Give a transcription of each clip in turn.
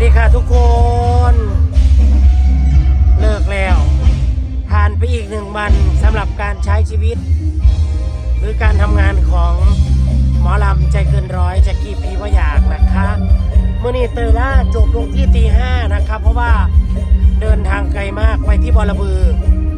ดีค่ะทุกคนเลิกแล้วผ่านไปอีก1 วันสำหรับการใช้ชีวิตหรือการทำงานของหมอลำใจเกินร้อยจากกี้พีว่าอยากนะคะเมื่อนี้เตยล่าจบลงที่ตี 5นะครับเพราะว่าเดินทางไกลมากไปที่บอระบือ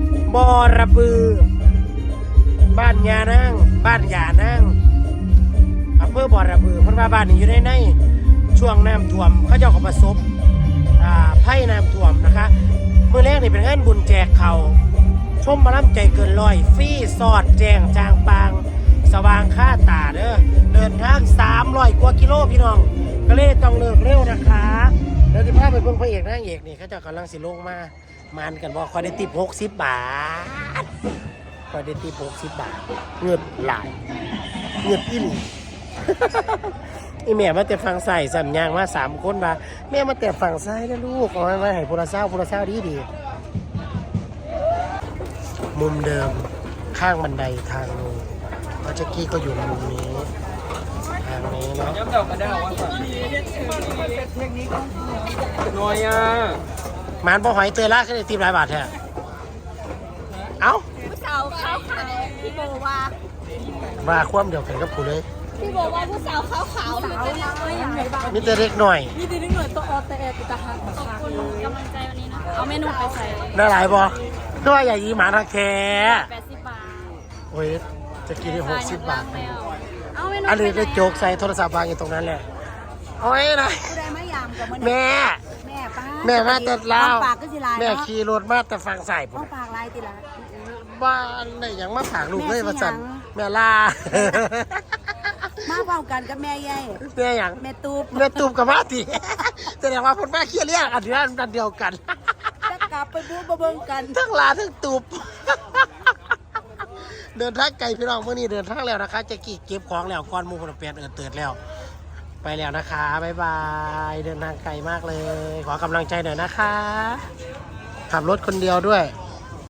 บ้านยานั่งบ้านยานั่งอำเภอบอระบือเพราะว่าบ้านนี้อยู่ในช่วงน้ำท่วมเขาเจ้าก็ประสบไพ่น้ำท่วมนะคะเมื่อแรกนี่เป็นงานบุญแจกเขาชมหมอลำใจเกินร้อยฟรีสอดแจงจางปางสว่างค่าตาเดินทาง300 กว่ากิโลพี่น้องก็เลยต้องเลิกเร็วนะคะแล้วที่พาไปเบิ่งพระเอกนางเอกนี่เขาเจ้ากำลังสิลงมามันกันบอกคอยได้ติป60 บาทคอยได้ติป60 บาทเงินหลายเงินอิ่มอีแม่มาแต่ฟังใส่สัมยางมา3 คนมาแม่มาแต่ฟังใส่แล้วลูกเอาไว้ให้พลเศร้าดีมุมเดิมข้างบันไดทางนู้นพระเจ้ากี้ก็อยู่มุมนี้ทางนี้เนาะย้ำเดากันได้ว่าน้อยอ่ะหมานบ่หอยเตยล่าขึ้นในทีมหลายบาทแท้เอ้าผู้สาวขาวพี่โบว่าความเดียวกันกับกูเลยพี่โบว่าผู้สาวขาวมีแต่เล็กหน่อยมีแต่เล็กหน่อยตัวออแต่ตาหักขอบคุณกำลังใจวันนี้นะเอาเมนูไปใส่ได้หลายบ่ด้วยใหญ่ยีหมาทาแค 80 บาทโอ้ยจะกินได้60 บาทเอาเมนูอันนี้ได้โจกใส่โทรศัพท์วางอยู่ตรงนั้นแหละโอ้ยนะแม่มาแต่ลาวแม่ขี่รถมาแต่ฟังใส่ผมปากลายติละบ้านได้ยังมาฝากลูกเลยมาสั่นแม่ลามาเฝ้ากันกับแม่ใหญ่แม่ยังแม่ตูบกับมาติแสดงว่าคนแม่เคี้ยเรียกอันเดียวกันจะกลับไปบู๊มาเบิ่งกันทั้งลาทั้งตูบเดินทางไกลพี่น้องเมื่อนี้เดินทางแล้วนะคะจะกี่เก็บของแล้วก้อนมูคนเปลี่ยนเติร์ดแล้วไปแล้วนะคะบ๊ายบายเดินทางไกลมากเลยขอกำลังใจหน่อยนะคะขับรถคนเดียวด้วย